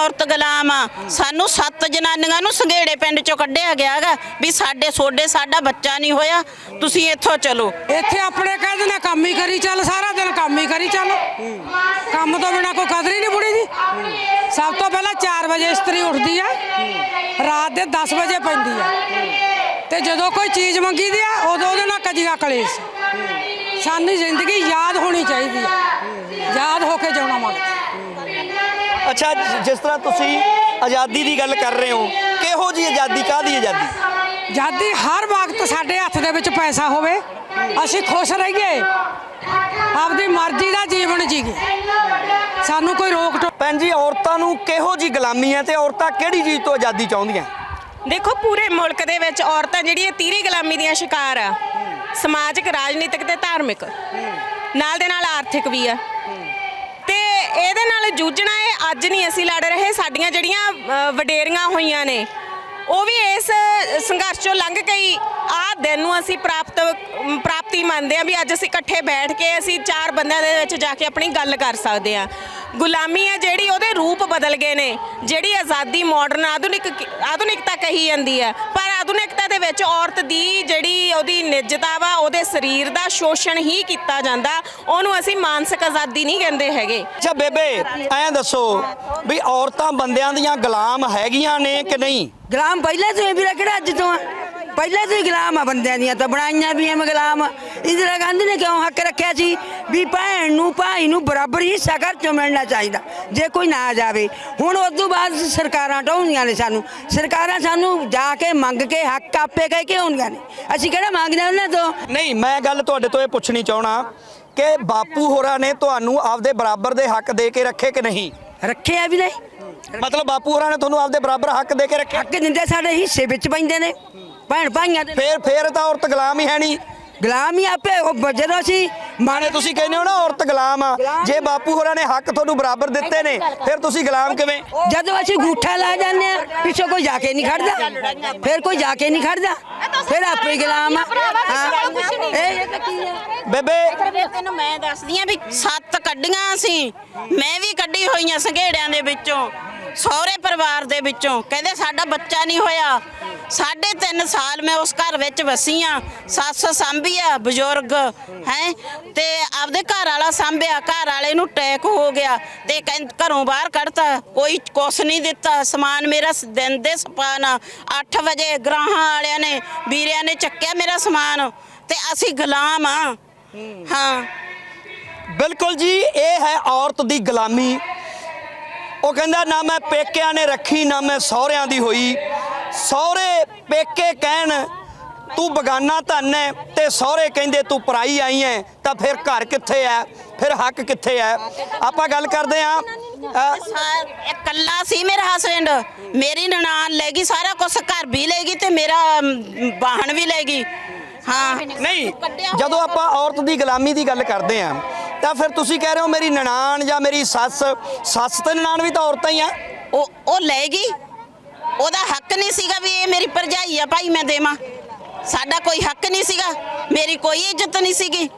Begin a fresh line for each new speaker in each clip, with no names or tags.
औरत गुलाम आ। सानू 7 जनानियां नूं संघेड़े पिंड चों कढ़िया गया है भी साडे सोडे साडा बच्चा नहीं होया, तुसीं इत्थों चलो।
ਇੱਥੇ ਆਪਣੇ ਕਹਿੰਦੇ ਨੇ ਕੰਮ ਹੀ ਕਰੀ ਚੱਲ, ਸਾਰਾ ਦਿਨ ਕੰਮ ਹੀ ਕਰੀ ਚੱਲ, ਕੰਮ ਤੋਂ ਬਿਨਾ ਕੋਈ ਕਦਰ ਹੀ ਨਹੀਂ ਬੁੜੀ ਦੀ। ਸਭ ਤੋਂ ਪਹਿਲਾਂ 4 ਵਜੇ ਇਸਤਰੀ ਉੱਠਦੀ ਆ, ਰਾਤ ਦੇ 10 ਵਜੇ ਪੈਂਦੀ ਆ, ਤੇ ਜਦੋਂ ਕੋਈ ਚੀਜ਼ ਮੰਗੀ ਦੀ ਆ ਉਦੋਂ ਉਹਦੇ ਨਾਲ ਕਜੀਆ ਕਲੇਸ਼। ਸਾਨੂੰ ਜ਼ਿੰਦਗੀ ਯਾਦ ਹੋਣੀ ਚਾਹੀਦੀ ਆ, ਯਾਦ ਹੋ ਕੇ ਜਿਉਣਾ ਮੰਗਦੇ।
ਅੱਛਾ, ਜਿਸ ਤਰ੍ਹਾਂ ਤੁਸੀਂ ਆਜ਼ਾਦੀ ਦੀ ਗੱਲ ਕਰ ਰਹੇ ਹੋ, ਕਿਹੋ ਜੀ ਆਜ਼ਾਦੀ, ਕਾਹਦੀ ਆਜ਼ਾਦੀ?
ਆਜ਼ਾਦੀ ਹਰ ਵਕਤ ਸਾਡੇ ਹੱਥ ਦੇ ਵਿੱਚ ਪੈਸਾ ਹੋਵੇ, ਅਸੀਂ ਖੁਸ਼ ਰਹੀਏ, ਆਪਦੀ ਮਰਜ਼ੀ ਦਾ ਜੀਵਨ ਜੀਏ, ਸਾਨੂੰ ਕੋਈ ਰੋਕ ਟੋਕ।
ਭੈਣ ਜੀ, ਔਰਤਾਂ ਨੂੰ ਕਿਹੋ ਜੀ ਗੁਲਾਮੀ ਹੈ ਤੇ ਔਰਤਾਂ ਕਿਹੜੀ ਚੀਜ਼ ਤੋਂ ਆਜ਼ਾਦੀ ਚਾਹੁੰਦੀਆਂ?
ਦੇਖੋ, ਪੂਰੇ ਮੁਲਕ ਦੇ ਵਿੱਚ ਔਰਤਾਂ ਜਿਹੜੀਆਂ ਤੀਹਰੀ ਗੁਲਾਮੀ ਦੀਆਂ ਸ਼ਿਕਾਰ ਆ, ਸਮਾਜਿਕ, ਰਾਜਨੀਤਿਕ ਤੇ ਧਾਰਮਿਕ, ਨਾਲ ਦੇ ਨਾਲ ਆਰਥਿਕ ਵੀ ਆ। ਤੇ ਇਹਦੇ ਨਾਲ ਜੂਝਣਾ ਇਹ ਅੱਜ ਨਹੀਂ ਅਸੀਂ ਲੜ ਰਹੇ, ਸਾਡੀਆਂ ਜਿਹੜੀਆਂ ਵਡੇਰੀਆਂ ਹੋਈਆਂ ਨੇ ਉਹ ਵੀ ਇਸ ਸੰਘਰਸ਼ ਚੋਂ ਲੰਘ ਕੇ ਆਹ ਦਿਨ ਨੂੰ ਅਸੀਂ ਪ੍ਰਾਪਤੀ ਮੰਨਦੇ ਹਾਂ ਵੀ ਅੱਜ ਅਸੀਂ ਇਕੱਠੇ ਬੈਠ ਕੇ ਅਸੀਂ 4 ਬੰਦਿਆਂ ਦੇ ਵਿੱਚ ਜਾ ਕੇ ਆਪਣੀ ਗੱਲ ਕਰ ਸਕਦੇ ਹਾਂ। ਗੁਲਾਮੀ ਹੈ ਜਿਹੜੀ, ਉਹਦੇ ਰੂਪ ਬਦਲ ਗਏ ਨੇ। ਜਿਹੜੀ ਆਜ਼ਾਦੀ ਮਾਡਰਨ ਆਧੁਨਿਕਤਾ ਕਹੀ ਜਾਂਦੀ ਹੈ, ਪਰ ਆਧੁਨਿਕਤਾ ਦੇ ਵਿੱਚ ਔਰਤ ਦੀ ਜਿਹੜੀ ਉਹਦੀ ਨਿੱਜਤਾ ਵਾ, ਉਹਦੇ ਸਰੀਰ ਦਾ ਸ਼ੋਸ਼ਣ ਹੀ ਕੀਤਾ ਜਾਂਦਾ, ਉਹਨੂੰ ਅਸੀਂ ਮਾਨਸਿਕ ਆਜ਼ਾਦੀ ਨਹੀਂ ਕਹਿੰਦੇ ਹੈਗੇ।
ਅੱਛਾ ਬੇਬੇ, ਐਂ ਦੱਸੋ ਵੀ ਔਰਤਾਂ ਬੰਦਿਆਂ ਦੀਆਂ ਗੁਲਾਮ ਹੈਗੀਆਂ ਨੇ ਕਿ ਨਹੀਂ?
ਗੁਲਾਮ ਪਹਿਲਾਂ ਤੋਂ ਵੀਰਾ, ਕਿਹੜਾ ਅੱਜ ਤੋਂ ਆ? ਪਹਿਲਾਂ ਤੋਂ ਹੀ ਗੁਲਾਮ ਆ, ਬੰਦਿਆਂ ਦੀਆਂ ਤਾਂ ਬਣਾਈਆਂ ਵੀ ਐ ਗੁਲਾਮ। ਇੰਦਰਾ ਗਾਂਧੀ ਨੇ ਕਿਉਂ ਹੱਕ ਰੱਖਿਆ ਸੀ ਵੀ ਭੈਣ ਨੂੰ ਭਾਈ ਨੂੰ ਬਰਾਬਰ ਹਿੱਸਾ ਘਰ ਚੋਂ ਮਿਲਣਾ ਚਾਹੀਦਾ ਜੇ ਕੋਈ ਨਾ ਜਾਵੇ। ਹੁਣ ਉਸ ਤੋਂ ਬਾਅਦ ਸਰਕਾਰਾਂ ਢਾਉਂਦੀਆਂ ਨੇ ਸਾਨੂੰ, ਸਰਕਾਰਾਂ ਸਾਨੂੰ ਜਾ ਕੇ ਮੰਗ ਕੇ ਹੱਕ ਆਪੇ ਕਹਿ ਕੇ ਆਉਂਦੀਆਂ ਨੇ, ਅਸੀਂ ਕਿਹੜਾ ਮੰਗਦੇ ਉਹਨਾਂ ਤੋਂ?
ਨਹੀਂ, ਮੈਂ ਗੱਲ ਤੁਹਾਡੇ ਤੋਂ ਇਹ ਪੁੱਛਣੀ ਚਾਹਣਾ ਕਿ ਬਾਪੂ ਹੋਰਾਂ ਨੇ ਤੁਹਾਨੂੰ ਆਪਦੇ ਬਰਾਬਰ ਦੇ ਹੱਕ ਦੇ ਕੇ ਰੱਖੇ ਕਿ ਨਹੀਂ?
ਰੱਖਿਆ ਵੀ ਨਹੀਂ,
ਮਤਲਬ ਬਾਪੂ ਹੋਰਾਂ ਨੇ ਤੁਹਾਨੂੰ ਆਪਦੇ ਬਰਾਬਰ ਹੱਕ ਦੇ ਕੇ ਰੱਖੇ?
ਹੱਕ ਦਿੰਦੇ, ਸਾਡੇ ਹਿੱਸੇ ਵਿੱਚ ਪੈਂਦੇ ਨੇ ਭੈਣ ਭਾਈਆਂ ਦੇ।
ਫੇਰ ਤਾਂ ਔਰਤ ਗੁਲਾਮ ਹੀ ਹੈ ਨਹੀਂ।
ਗੁਲਾਮ ਹੀ ਆਪੇ ਜਦੋਂ ਅਸੀਂ
ਮਾਣੇ ਤੁਸੀਂ ਕਹਿੰਦੇ ਹੋ ਨਾ ਔਰਤ ਗੁਲਾਮ ਆ, ਜੇ ਬਾਪੂ ਹੋਰਾਂ ਨੇ ਹੱਕ ਤੁਹਾਨੂੰ ਬਰਾਬਰ ਦਿੱਤੇ ਨੇ ਫਿਰ ਤੁਸੀਂ ਗੁਲਾਮ ਕਿਵੇਂ?
ਜਦੋਂ ਅਸੀਂ ਗੂਠਾ ਲਾ ਜਾਂਦੇ ਆ, ਪਿੱਛੋਂ ਕੋਈ ਜਾ ਕੇ ਨਹੀਂ ਖੜਦਾ, ਫਿਰ ਕੋਈ ਜਾ ਕੇ ਨਹੀਂ ਖੜਦਾ, ਫਿਰ ਆਪੇ ਗੁਲਾਮ ਆ। ਇਹ ਤਾਂ ਕੀ ਹੈ
ਬੇਬੇ?
ਤੈਨੂੰ ਮੈਂ ਦੱਸਦੀ ਆ ਵੀ 7 ਕੱਢੀਆਂ ਸੀ, ਮੈਂ ਵੀ ਕੱਢੀ ਹੋਈਆਂ ਸੰਘੇੜਿਆਂ ਦੇ ਵਿੱਚੋਂ, ਸਹੁਰੇ ਪਰਿਵਾਰ ਦੇ ਵਿੱਚੋਂ। ਕਹਿੰਦੇ ਸਾਡਾ ਬੱਚਾ ਨਹੀਂ ਹੋਇਆ। 3.5 ਸਾਲ ਮੈਂ ਉਸ ਘਰ ਵਿੱਚ ਵਸੀ ਆ, ਸੱਸ ਸਾਂਭੀ ਆ, ਬਜ਼ੁਰਗ ਹੈ, ਤੇ ਆਪਦੇ ਘਰ ਵਾਲਾ ਸਾਂਭਿਆ। ਘਰ ਵਾਲੇ ਨੂੰ ਅਟੈਕ ਹੋ ਗਿਆ ਤੇ ਘਰੋਂ ਬਾਹਰ ਕੱਢਤਾ, ਕੋਈ ਕੁਛ ਨਹੀਂ ਦਿੱਤਾ। ਸਮਾਨ ਮੇਰਾ ਦਿਨ ਦੇ ਸਪਾਨ 8 ਵਜੇ ਗਰਾਹਾਂ ਵਾਲਿਆਂ ਨੇ, ਵੀਰਿਆਂ ਨੇ ਚੱਕਿਆ ਮੇਰਾ ਸਮਾਨ, ਤੇ ਅਸੀਂ ਗੁਲਾਮ ਆ। ਹਾਂ,
ਬਿਲਕੁਲ ਜੀ, ਇਹ ਹੈ ਔਰਤ ਦੀ ਗੁਲਾਮੀ। ਉਹ ਕਹਿੰਦਾ ਨਾ ਮੈਂ ਪੇਕਿਆਂ ਨੇ ਰੱਖੀ ਨਾ ਮੈਂ ਸਹੁਰਿਆਂ ਦੀ ਹੋਈ। ਸਹੁਰੇ ਪੇਕੇ ਕਹਿਣ ਤੂੰ ਬਗਾਨਾ ਧਨ ਹੈ ਤੇ ਸਹੁਰੇ ਕਹਿੰਦੇ ਤੂੰ ਪਰਾਈ ਆਈ ਹੈ, ਤਾਂ ਫਿਰ ਘਰ ਕਿੱਥੇ ਹੈ, ਫਿਰ ਹੱਕ ਕਿੱਥੇ ਹੈ? ਆਪਾਂ ਗੱਲ ਕਰਦੇ ਹਾਂ।
ਇਕੱਲਾ ਸੀ ਮੇਰਾ ਹਸਬੈਂਡ, ਮੇਰੀ ਨਨਾਣ ਲੈ ਗਈ ਸਾਰਾ ਕੁਝ, ਘਰ ਵੀ ਲੈ ਗਈ ਤੇ ਮੇਰਾ ਵਾਹਣ ਵੀ ਲੈ ਗਈ। ਹਾਂ,
ਨਹੀਂ, ਜਦੋਂ ਆਪਾਂ ਔਰਤ ਦੀ ਗੁਲਾਮੀ ਦੀ ਗੱਲ ਕਰਦੇ ਹਾਂ ਤਾਂ ਫਿਰ ਤੁਸੀਂ ਕਹਿ ਰਹੇ ਹੋ ਮੇਰੀ ਨਨਾਣ ਜਾਂ ਮੇਰੀ ਸੱਸ ਤੇ ਨਨਾਣ ਵੀ ਤਾਂ ਔਰਤਾਂ ਹੀ ਆ।
ਉਹ ਲੈ ਗਈ, ਉਹਦਾ ਹੱਕ ਨਹੀਂ ਸੀਗਾ ਵੀ ਇਹ ਮੇਰੀ ਭਰਜਾਈ ਆ ਭਾਈ ਮੈਂ ਦੇਵਾਂ। ਸਾਡਾ ਕੋਈ ਹੱਕ ਨਹੀਂ ਸੀਗਾ, ਮੇਰੀ ਕੋਈ ਇੱਜ਼ਤ ਨਹੀਂ ਸੀਗੀ,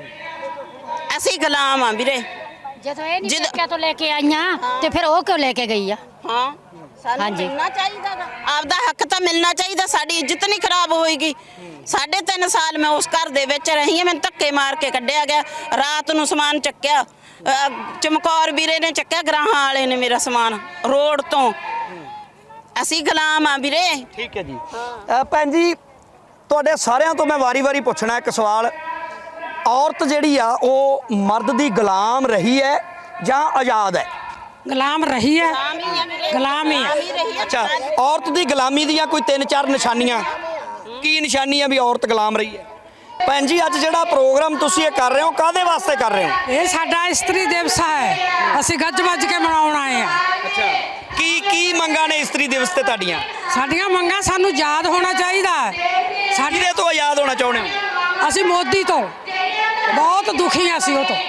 ਅਸੀਂ ਗੁਲਾਮ ਆ ਵੀਰੇ।
ਜਦੋਂ ਇਹ ਨਹੀਂ ਪੇਕਿਆਂ ਤੋਂ ਲੈ ਕੇ ਆਈਆਂ ਤੇ ਫਿਰ ਉਹ ਕਿਉਂ ਲੈ ਕੇ ਗਈ ਆ?
ਹਾਂ, ਸਾਨੂੰ ਮਿਲਣਾ ਚਾਹੀਦਾ, ਆਪਦਾ ਹੱਕ ਤਾਂ ਮਿਲਣਾ ਚਾਹੀਦਾ, ਸਾਡੀ ਇੱਜ਼ਤ ਨਹੀਂ ਖਰਾਬ ਹੋਏਗੀ। 3.5 ਸਾਲ ਮੈਂ ਉਸ ਘਰ ਦੇ ਵਿੱਚ ਰਹੀ ਹਾਂ, ਮੈਨੂੰ ਧੱਕੇ ਮਾਰ ਕੇ ਕੱਢਿਆ ਗਿਆ। ਰਾਤ ਨੂੰ ਸਮਾਨ ਚੱਕਿਆ, ਚਮਕੌਰ ਵੀਰੇ ਨੇ ਚੱਕਿਆ, ਗਰਾਹਾਂ ਵਾਲੇ ਨੇ ਮੇਰਾ ਸਮਾਨ ਰੋਡ ਤੋਂ। ਅਸੀਂ ਗੁਲਾਮ ਆ ਵੀਰੇ।
ਠੀਕ ਹੈ ਜੀ। ਭੈਣ ਜੀ, ਤੁਹਾਡੇ ਸਾਰਿਆਂ ਤੋਂ ਮੈਂ ਵਾਰੀ-ਵਾਰੀ ਪੁੱਛਣਾ ਇੱਕ ਸਵਾਲ, ਔਰਤ ਜਿਹੜੀ ਆ ਉਹ ਮਰਦ ਦੀ ਗੁਲਾਮ ਰਹੀ ਹੈ ਜਾਂ ਆਜ਼ਾਦ ਹੈ?
ਗੁਲਾਮ ਰਹੀ ਹੈ, ਗੁਲਾਮ ਹੀ ਹੈ।
ਅੱਛਾ, ਔਰਤ ਦੀ ਗੁਲਾਮੀ ਦੀਆਂ ਕੋਈ 3-4 ਨਿਸ਼ਾਨੀਆਂ, ਕੀ ਨਿਸ਼ਾਨੀਆਂ ਵੀ ਔਰਤ ਗੁਲਾਮ ਰਹੀ ਹੈ? ਭੈਣ ਜੀ, ਅੱਜ ਜਿਹੜਾ ਪ੍ਰੋਗਰਾਮ ਤੁਸੀਂ ਇਹ ਕਰ ਰਹੇ ਹੋ ਕਾਹਦੇ ਵਾਸਤੇ ਕਰ ਰਹੇ ਹੋ?
ਇਹ ਸਾਡਾ ਇਸਤਰੀ ਦਿਵਸ ਹੈ, ਅਸੀਂ ਗੱਜ ਵੱਜ ਕੇ ਮਨਾਉਣ ਆਏ ਆ।
ਅੱਛਾ, ਕੀ ਮੰਗਾਂ ਨੇ ਇਸਤਰੀ ਦਿਵਸ ਤੇ ਤੁਹਾਡੀਆਂ?
ਸਾਡੀਆਂ ਮੰਗਾਂ ਸਾਨੂੰ ਯਾਦ ਹੋਣਾ ਚਾਹੀਦਾ।
ਕਿਹਦੇ ਤੋਂ ਆਜ਼ਾਦ ਹੋਣਾ ਚਾਹੁੰਦੇ ਹੋ?
ਅਸੀਂ ਮੋਦੀ ਤੋਂ ਬਹੁਤ ਦੁਖੀ ਆ, ਅਸੀਂ ਉਹ ਤੋਂ।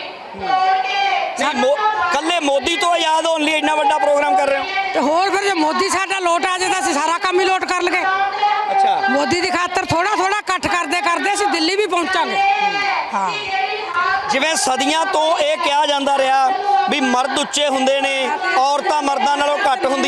ਕੱਲੇ ਮੋਦੀ ਤੋਂ ਆਜ਼ਾਦ ਹੋਣ ਲਈ ਇੰਨਾ ਵੱਡਾ ਪ੍ਰੋਗਰਾਮ ਕਰ ਰਹੇ ਹੋ?
ਤੇ ਹੋਰ ਫਿਰ ਜੇ ਮੋਦੀ ਸਾਡਾ ਲੋਟ ਆ ਜਾਏ ਤਾਂ ਅਸੀਂ ਸਾਰਾ ਕੰਮ ਹੀ ਲੋਟ ਕਰ ਲਗੇ।
ਅੱਛਾ,
ਮੋਦੀ ਦੀ ਖਾਤਰ ਥੋੜਾ ਇਕੱਠ ਕਰਦੇ ਅਸੀਂ ਦਿੱਲੀ ਵੀ ਪਹੁੰਚਾਂਗੇ। ਹਾਂ,
ਜਿਵੇਂ ਸਦੀਆਂ ਤੋਂ ਇਹ ਕਿਹਾ ਜਾਂਦਾ ਰਿਹਾ ਵੀ ਮਰਦ ਉੱਚੇ ਹੁੰਦੇ ਨੇ, ਔਰਤਾਂ ਮਰਦਾਂ ਨਾਲੋਂ ਘੱਟ ਹੁੰਦੀਆਂ।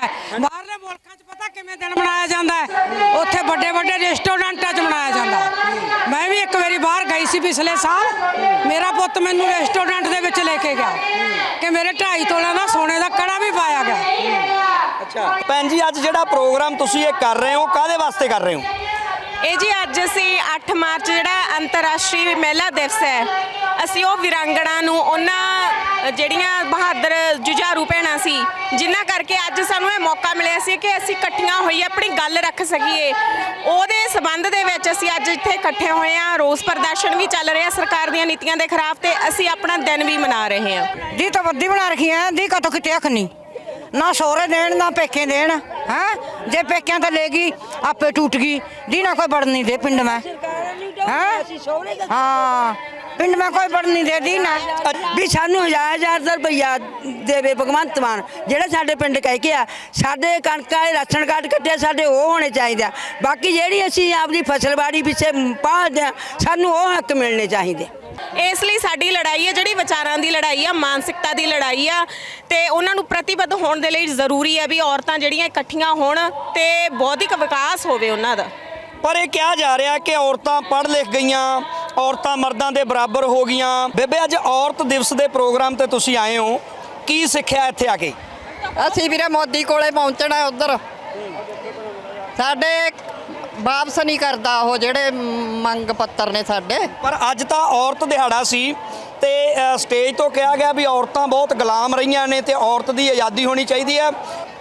ਹੈ। ਬਾਹਰਲੇ ਮੁਲਕਾਂ 'ਚ ਪਤਾ ਕਿਵੇਂ ਦਿਨ ਮਨਾਇਆ ਜਾਂਦਾ ਹੈ? ਉੱਥੇ ਵੱਡੇ ਵੱਡੇ ਰੈਸਟੋਰੈਂਟਾਂ 'ਚ ਮਨਾਇਆ ਜਾਂਦਾ ਹੈ। ਮੈਂ ਵੀ ਇੱਕ ਵਾਰੀ ਬਾਹਰ ਗਈ ਸੀ ਪਿਛਲੇ ਸਾਲ, ਮੇਰਾ ਪੁੱਤ ਮੈਨੂੰ ਰੈਸਟੋਰੈਂਟ ਦੇ ਵਿੱਚ ਲੈ ਕੇ ਗਿਆ ਕਿ ਮੇਰੇ 2.5 ਤੋਲੇ ਦਾ ਸੋਨੇ ਦਾ ਕੜਾ ਵੀ ਪਾਇਆ ਗਿਆ।
ਅੱਛਾ ਭੈਣ ਜੀ, ਅੱਜ ਜਿਹੜਾ ਪ੍ਰੋਗਰਾਮ ਤੁਸੀਂ ਇਹ ਕਰ ਰਹੇ ਹੋ ਕਾਹਦੇ ਵਾਸਤੇ ਕਰ ਰਹੇ ਹੋ?
ਇਹ ਜੀ ਅੱਜ ਅਸੀਂ 8 ਮਾਰਚ ਜਿਹੜਾ ਅੰਤਰਰਾਸ਼ਟਰੀ ਮਹਿਲਾ ਦਿਵਸ ਹੈ, ਅਸੀਂ ਉਹ ਵਿਰਾਂਗਣਾ ਨੂੰ ਉਹਨਾਂ ਜਿਹੜੀਆਂ ਬਹਾਦਰ ਜੁਝਾਰੂ ਭੈਣਾਂ ਸੀ ਜਿਨ੍ਹਾਂ ਕਰਕੇ ਅੱਜ ਸਾਨੂੰ ਇਹ ਮੌਕਾ ਮਿਲਿਆ ਸੀ ਕਿ ਅਸੀਂ ਇਕੱਠੀਆਂ ਹੋਈ ਆਪਣੀ ਗੱਲ ਰੱਖ ਸਕੀਏ, ਉਹਦੇ ਸਬੰਧ ਦੇ ਵਿੱਚ ਅਸੀਂ ਅੱਜ ਇੱਥੇ ਇਕੱਠੇ ਹੋਏ ਹਾਂ। ਰੋਸ ਪ੍ਰਦਰਸ਼ਨ ਵੀ ਚੱਲ ਰਿਹਾ ਸਰਕਾਰ ਦੀਆਂ ਨੀਤੀਆਂ ਦੇ ਖਿਲਾਫ ਤੇ ਅਸੀਂ ਆਪਣਾ ਦਿਨ ਵੀ ਮਨਾ ਰਹੇ ਹਾਂ।
ਦੀ ਤਾਂ ਵੱਡੀ ਬਣਾ ਰੱਖੀ ਹੈ ਦੀ ਕਤੋਂ ਕਿਤੇ ਅੱਖ ਨਹੀਂ ਨਾ ਸੋਹਰੇ ਦੇਣ ਨਾ ਪੇਕੇ ਦੇਣ ਹੈ। ਜੇ ਪੇਕਿਆਂ ਤਾਂ ਲੈ ਗਈ ਆਪੇ ਟੁੱਟ ਗਈ ਦੀ ਨਾ ਕੋਈ ਬੜਨ ਨਹੀਂ ਦੇ ਪਿੰਡ ਮੈਂ ਹਾਂ ਪਿੰਡ ਮੈਂ ਕੋਈ ਬੜਨ ਨਹੀਂ ਦੇ ਦੀ ਨਾ
ਵੀ ਸਾਨੂੰ 1000 ਰੁਪਈਆ ਦੇਵੇ ਭਗਵੰਤ ਮਾਨ, ਜਿਹੜਾ ਸਾਡੇ ਪਿੰਡ ਕਹਿ ਕੇ ਆ ਸਾਡੇ ਕਣਕਾਂ ਦੇ ਰਾਸ਼ਨ ਕਾਰਡ ਕੱਟਿਆ ਸਾਡੇ ਉਹ ਹੋਣੇ ਚਾਹੀਦੇ ਆ। ਬਾਕੀ ਜਿਹੜੀ ਅਸੀਂ ਆਪਦੀ ਫਸਲਬਾੜੀ ਪਿੱਛੇ ਪਾਲਦੇ ਆ ਸਾਨੂੰ ਉਹ ਹੱਕ ਮਿਲਣੇ ਚਾਹੀਦੇ।
ਇਸ ਲਈ ਸਾਡੀ ਲੜਾਈ ਹੈ ਜਿਹੜੀ ਵਿਚਾਰਾਂ ਦੀ ਲੜਾਈ ਆ, ਮਾਨਸਿਕਤਾ ਦੀ ਲੜਾਈ ਆ ਤੇ ਉਹਨਾਂ ਨੂੰ ਪ੍ਰਤੀਬੱਧ ਹੋਣ ਦੇ ਲਈ ਜ਼ਰੂਰੀ ਹੈ ਵੀ ਔਰਤਾਂ ਜਿਹੜੀਆਂ ਇਕੱਠੀਆਂ ਹੋਣ ਤੇ ਬੌਧਿਕ ਵਿਕਾਸ ਹੋਵੇ ਉਹਨਾਂ ਦਾ।
ਪਰ ਇਹ ਕਿਹਾ ਜਾ ਰਿਹਾ ਕਿ ਔਰਤਾਂ ਪੜ੍ਹ ਲਿਖ ਗਈਆਂ, ਔਰਤਾਂ ਮਰਦਾਂ ਦੇ ਬਰਾਬਰ ਹੋ ਗਈਆਂ। ਬੇਬੇ, ਅੱਜ ਔਰਤ ਦਿਵਸ ਦੇ ਪ੍ਰੋਗਰਾਮ ਤੇ ਤੁਸੀਂ ਆਏ ਹੋ, ਕੀ ਸਿੱਖਿਆ ਇੱਥੇ ਆ ਕੇ?
ਅਸੀਂ ਵੀਰੇ ਮੋਦੀ ਕੋਲੇ ਪਹੁੰਚਣਾ ਉਧਰ ਸਾਡੇ ਵਾਪਸ ਨਹੀਂ ਕਰਦਾ ਉਹ ਜਿਹੜੇ ਮੰਗ ਪੱਤਰ ਨੇ ਸਾਡੇ।
ਪਰ ਅੱਜ ਤਾਂ ਔਰਤ ਦਿਹਾੜਾ ਸੀ ਤੇ ਸਟੇਜ ਤੋਂ ਕਿਹਾ ਗਿਆ ਵੀ ਔਰਤਾਂ ਬਹੁਤ ਗੁਲਾਮ ਰਹੀਆਂ ਨੇ ਤੇ ਔਰਤ ਦੀ ਆਜ਼ਾਦੀ ਹੋਣੀ ਚਾਹੀਦੀ ਹੈ।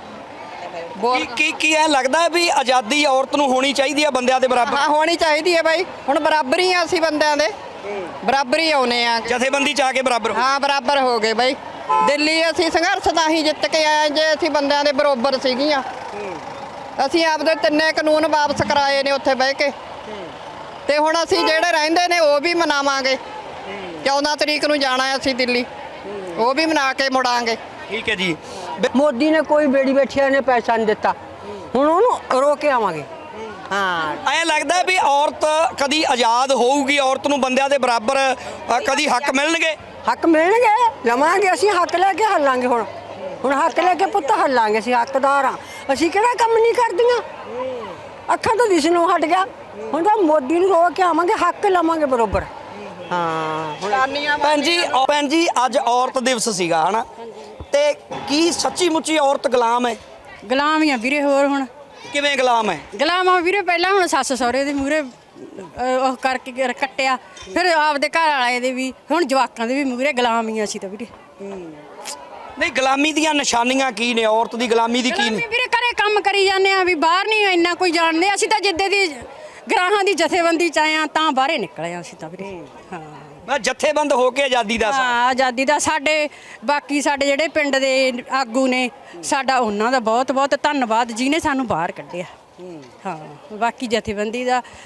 ਕੀ ਐ ਲੱਗਦਾ ਹੈ ਵੀ ਆਜ਼ਾਦੀ ਔਰਤ ਨੂੰ ਹੋਣੀ ਚਾਹੀਦੀ ਹੈ ਬੰਦਿਆਂ ਦੇ ਬਰਾਬਰ?
ਹਾਂ ਹੋਣੀ ਚਾਹੀਦੀ ਹੈ ਬਾਈ, ਹੁਣ ਬਰਾਬਰ ਹੀ ਆ ਅਸੀਂ ਬੰਦਿਆਂ ਦੇ ਬਰਾਬਰ ਹੀ ਆਉਨੇ ਆ।
ਜਥੇਬੰਦੀ ਚ ਆ ਕੇ ਬਰਾਬਰ ਹੋ?
ਹਾਂ ਬਰਾਬਰ ਹੋ ਗਏ ਬਾਈ। ਦਿੱਲੀ ਅਸੀਂ ਸੰਘਰਸ਼ ਤਾਂ ਹੀ ਜਿੱਤ ਕੇ ਆਏ ਜੇ ਅਸੀਂ ਬੰਦਿਆਂ ਦੇ ਬਰਾਬਰ ਸੀਗੀਆਂ। ਅਸੀਂ ਆਪਦੇ 3 ਕਾਨੂੰਨ ਵਾਪਸ ਕਰਾਏ ਨੇ ਉੱਥੇ ਬਹਿ ਕੇ ਤੇ ਹੁਣ ਅਸੀਂ ਜਿਹੜੇ ਰਹਿੰਦੇ ਨੇ ਉਹ ਵੀ ਮਨਾਵਾਂਗੇ। 14 ਤਰੀਕ ਨੂੰ ਜਾਣਾ ਅਸੀਂ ਦਿੱਲੀ, ਉਹ ਵੀ ਮਨਾ ਕੇ ਮੁੜਾਂਗੇ।
ਠੀਕ ਹੈ ਜੀ।
ਮੋਦੀ ਨੇ ਕੋਈ ਬੇੜੀ ਬੈਠਿਆ ਨੇ ਪੈਸਾ ਨਹੀਂ ਦਿੱਤਾ, ਹੁਣ ਉਹਨੂੰ ਰੋਕ ਕੇ ਆਵਾਂਗੇ। ਹਾਂ
ਐਂ ਲੱਗਦਾ ਵੀ ਔਰਤ ਕਦੀ ਆਜ਼ਾਦ ਹੋਊਗੀ, ਔਰਤ ਨੂੰ ਬੰਦਿਆਂ ਦੇ ਬਰਾਬਰ ਕਦੀ ਹੱਕ ਮਿਲਣਗੇ?
ਹੱਕ ਮਿਲਣਗੇ, ਲਵਾਂਗੇ ਅਸੀਂ ਹੱਕ ਲੈ ਕੇ ਹੱਲਾਂਗੇ। ਹੁਣ ਹੱਕ ਲੈ ਕੇ ਪੁੱਤ ਹੱਲਾਂਗੇ, ਅਸੀਂ ਹੱਕਦਾਰ ਹਾਂ। ਅਸੀਂ ਕਿਹੜਾ ਕੰਮ ਨਹੀਂ ਕਰਦੀਆਂ, ਅੱਖਾਂ ਤੋਂ ਦਿਸ ਨੂੰ ਹਟ ਗਿਆ। ਹੁਣ ਤਾਂ ਮੋਦੀ ਨੂੰ ਰੋਕ ਕੇ ਆਵਾਂਗੇ, ਹੱਕ ਲਵਾਂਗੇ ਬਰੋਬਰ। ਹਾਂ
ਭੈਣ ਜੀ ਅੱਜ ਔਰਤ ਦਿਵਸ ਸੀਗਾ ਹਨਾ, ਤੇ ਕੀ ਸੱਚੀ ਮੁੱਚੀ ਔਰਤ ਗੁਲਾਮ ਹੈ?
ਗੁਲਾਮ ਹੀ ਆ ਵੀਰੇ। ਹੋਰ ਹੁਣ
ਕਿਵੇਂ ਗੁਲਾਮ ਹੈ?
ਗੁਲਾਮ ਆ ਵੀਰੇ। ਪਹਿਲਾਂ ਹੁਣ ਸੱਸ ਸਹੁਰੇ ਦੇ ਮੂਹਰੇ ਉਹ ਕਰਕੇ ਕੱਟਿਆ, ਫਿਰ ਆਪਦੇ ਘਰ ਵਾਲੇ ਦੇ ਵੀ, ਹੁਣ ਜਵਾਕਾਂ ਦੇ ਵੀ ਮੂਹਰੇ ਗੁਲਾਮ ਹੀ ਆ ਅਸੀਂ ਤਾਂ ਵੀਰੇ।
ਨਹੀਂ, ਗੁਲਾਮੀ ਦੀਆਂ ਨਿਸ਼ਾਨੀਆਂ ਕੀ ਨੇ? ਔਰਤ ਦੀ ਗੁਲਾਮੀ ਦੀ ਕੀ ਨੇ?
ਵੀਰੇ ਘਰੇ ਕੰਮ ਕਰੀ ਜਾਂਦੇ ਆ, ਵੀ ਬਾਹਰ ਨਹੀਂ ਇੰਨਾ ਕੋਈ ਜਾਣਦੇ। ਅਸੀਂ ਤਾਂ ਜਿੱਦੇ ਦੀ ਗਰਾਹਾਂ ਦੀ ਜਥੇਬੰਦੀ ਚ ਆਏ ਆ ਤਾਂ ਬਾਹਰੇ ਨਿਕਲੇ ਆ ਅਸੀਂ ਤਾਂ ਵੀਰੇ। ਹਾਂ
ਮੈਂ ਜਥੇਬੰਦ ਹੋ ਕੇ ਆਜ਼ਾਦੀ ਦਾ
ਹਾਂ ਆਜ਼ਾਦੀ ਦਾ ਸਾਡੇ ਬਾਕੀ ਸਾਡੇ ਜਿਹੜੇ ਪਿੰਡ ਦੇ ਆਗੂ ਨੇ ਸਾਡਾ ਉਹਨਾਂ ਦਾ ਬਹੁਤ ਬਹੁਤ ਧੰਨਵਾਦ ਜਿਹਨੇ ਸਾਨੂੰ ਬਾਹਰ ਕੱਢਿਆ। ਹਾਂ ਬਾਕੀ ਜਥੇਬੰਦੀ ਦਾ